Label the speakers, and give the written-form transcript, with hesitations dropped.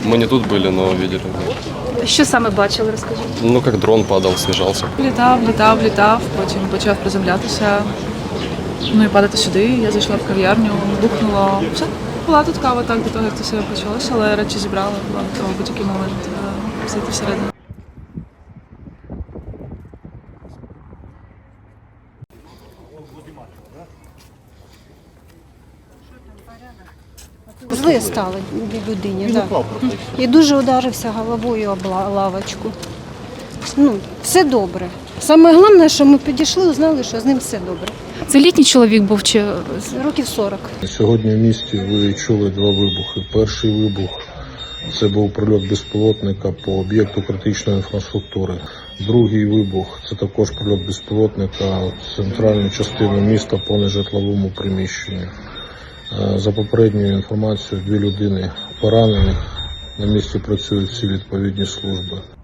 Speaker 1: Мы не тут были, но видели.
Speaker 2: Що саме бачили, розкажіть?
Speaker 1: Ну, как дрон падал, снижался.
Speaker 3: Літав, потім почав приземлятися. Ну і падати сюди. Я зайшла в кав'ярню, бухнуло. Все, була тут кава так до того, як це все почалося, але речі зібрала, була готова в будь-який момент зайти всередину.
Speaker 4: Зле стало людині, да. І дуже ударився головою об лавочку. Ну, все добре. Саме головне, що ми підійшли, узнали, що з ним все добре.
Speaker 2: Це літній чоловік був чи
Speaker 4: Років 40.
Speaker 5: Сьогодні в місті ви чули два вибухи. Перший вибух – це був прильот безпілотника по об'єкту критичної інфраструктури. Другий вибух – це також прильот безпілотника в центральну частину міста по нежитловому приміщенню. За попередньою інформацією, 2 людини поранених. На місці працюють всі відповідні служби.